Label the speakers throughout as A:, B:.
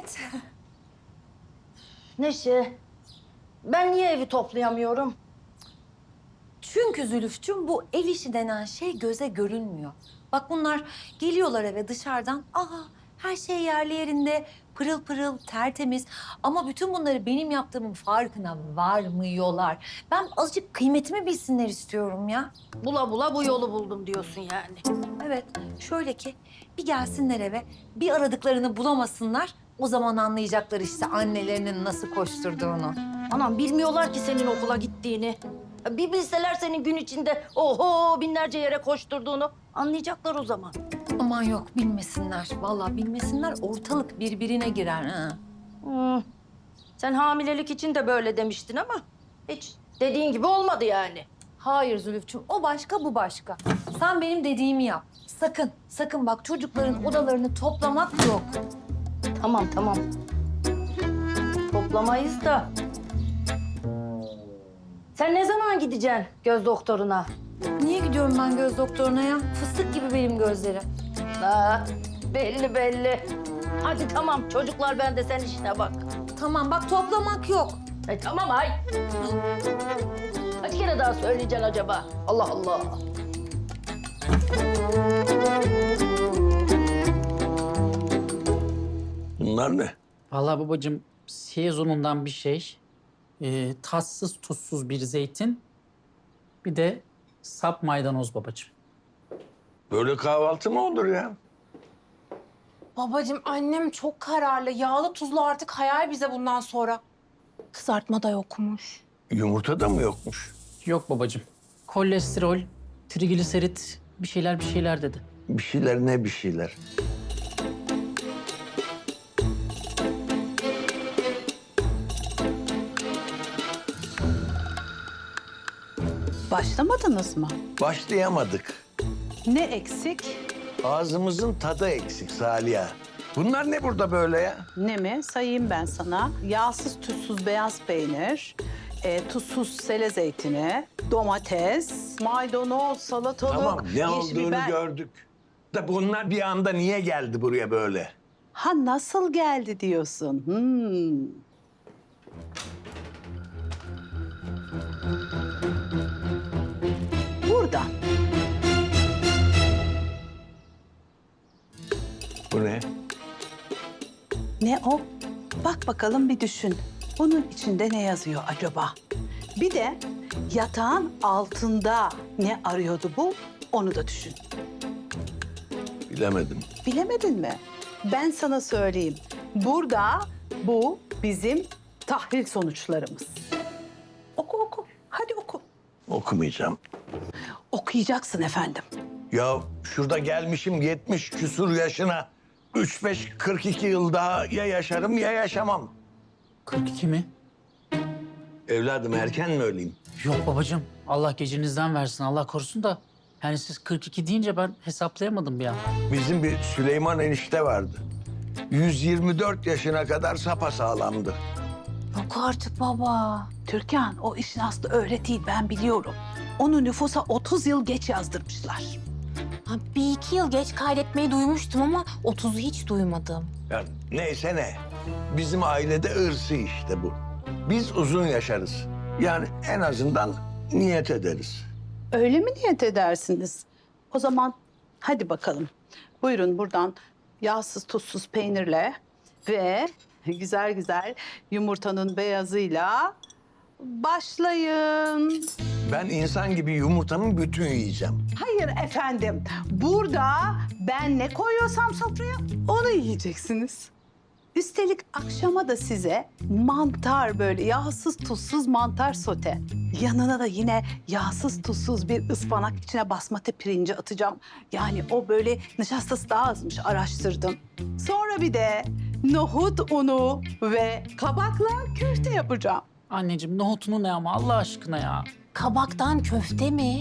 A: Evet.
B: Neşe, ben niye evi toplayamıyorum?
A: Çünkü Zülüfçüm bu ev işi denen şey göze görünmüyor. Bak bunlar geliyorlar eve dışarıdan. Her şey yerli yerinde, pırıl pırıl, tertemiz. Ama bütün bunları benim yaptığımın farkına varmıyorlar. Ben azıcık kıymetimi bilsinler istiyorum ya.
B: Bula bula bu yolu buldum diyorsun yani.
A: Evet, şöyle ki bir gelsinler eve, bir aradıklarını bulamasınlar. O zaman anlayacaklar işte annelerinin nasıl koşturduğunu.
B: Anam bilmiyorlar ki senin okula gittiğini. Bir bilseler senin gün içinde oho binlerce yere koşturduğunu anlayacaklar o zaman.
A: Aman yok bilmesinler. Vallahi bilmesinler ortalık birbirine girer ha.
B: Hmm. Sen hamilelik için de böyle demiştin ama hiç dediğin gibi olmadı yani.
A: Hayır Zülüfçüm, o başka bu başka. Sen benim dediğimi yap. Sakın, sakın bak çocukların odalarını toplamak yok.
B: Tamam tamam. Toplamayız da. Sen ne zaman gideceksin göz doktoruna?
A: Niye gidiyorum ben göz doktoruna ya? Fıstık gibi benim gözlerim.
B: Ha, belli belli. Hadi tamam çocuklar bende sen işine bak.
A: Tamam bak toplamak yok.
B: Tamam ay. Kaç kere daha söyleyeceksin acaba? Allah Allah.
C: Bunlar ne?
D: Vallahi babacığım sezonundan bir şey. Tatsız tuzsuz bir zeytin. Bir de sap maydanoz babacığım.
C: Böyle kahvaltı mı olur ya?
E: Babacığım annem çok kararlı. Yağlı tuzlu artık hayal bize bundan sonra. Kızartma da yokmuş.
C: Yumurta da mı yokmuş?
D: Yok babacığım. Kolesterol, trigliserit bir şeyler dedi.
C: Bir şeyler ne bir şeyler.
F: Başlamadınız mı?
C: Başlayamadık.
F: Ne eksik?
C: Ağzımızın tadı eksik Saliha. Bunlar ne burada böyle ya?
F: Ne mi? Sayayım ben sana. Yağsız, tuzsuz beyaz peynir, tuzsuz sele zeytini, domates, maydanoz, salatalık,
C: Tamam ne
F: yeşil
C: olduğunu
F: biber.
C: gördük. Da bunlar bir anda niye geldi buraya böyle?
F: Ha nasıl geldi diyorsun? Burada.
C: Bu ne?
F: Ne o? Bak bakalım bir düşün. Bunun içinde ne yazıyor acaba? Bir de yatağın altında ne arıyordu bu? Onu da düşün.
C: Bilemedim.
F: Bilemedin mi? Ben sana söyleyeyim. Burada bu bizim tahlil sonuçlarımız. Oku oku. Hadi oku.
C: Okumayacağım.
F: Okuyacaksın efendim.
C: Ya şurada gelmişim 70 küsur yaşına. 42 yıl daha ya yaşarım ya yaşamam.
D: 42 mi?
C: Evladım erken mi öleyim?
D: Yok babacığım. Allah gecinizden versin. Allah korusun da. Yani siz 42 deyince ben hesaplayamadım bir an.
C: Bizim bir Süleyman enişte vardı. 124 yaşına kadar sapasağlamdı.
A: Yok artık baba.
F: Türkan o işin aslı öyle değil ben biliyorum. Onu nüfusa 30 yıl geç yazdırmışlar.
E: Ha, bir iki yıl geç kaydetmeyi duymuştum ama 30'u hiç duymadım.
C: Ya neyse ne. Bizim ailede ırsı işte bu. Biz uzun yaşarız. Yani en azından niyet ederiz.
F: Öyle mi niyet edersiniz? O zaman hadi bakalım. Buyurun buradan yağsız tuzsuz peynirle ve güzel güzel yumurtanın beyazıyla başlayın.
C: Ben insan gibi yumurtamın bütün yiyeceğim.
F: Hayır efendim. Burada ben ne koyuyorsam sofraya onu yiyeceksiniz. Üstelik akşama da size mantar böyle yağsız tuzsuz mantar sote. Yanına da yine yağsız tuzsuz bir ıspanak içine basmati pirinci atacağım. Yani o böyle nişastası daha azmış araştırdım. Sonra bir de nohut unu ve kabakla köfte yapacağım.
D: Anneciğim nohutunu ne ama Allah aşkına ya.
E: Kabaktan köfte mi?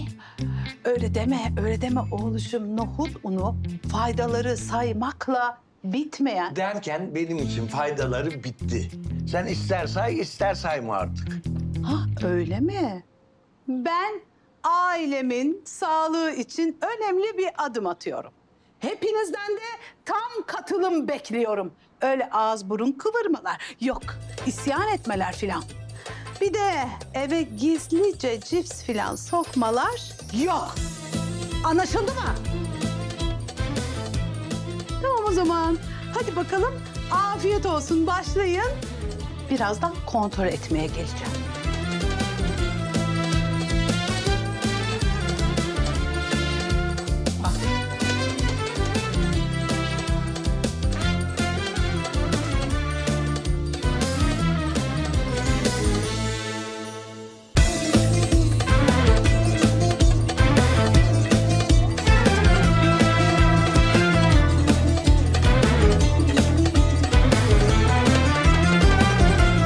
F: Öyle deme oğluşum. Nohut unu faydaları saymakla bitmeyen.
C: Derken benim için faydaları bitti. Sen ister say ister sayma artık.
F: Ha öyle mi? Ben ailemin sağlığı için önemli bir adım atıyorum. Hepinizden de tam katılım bekliyorum. Öyle ağız burun kıvırmalar. Yok, isyan etmeler filan. Bir de eve gizlice cips filan sokmalar yok. Anlaşıldı mı? Tamam o zaman. Hadi bakalım. Afiyet olsun. Başlayın. Birazdan kontrol etmeye geleceğim.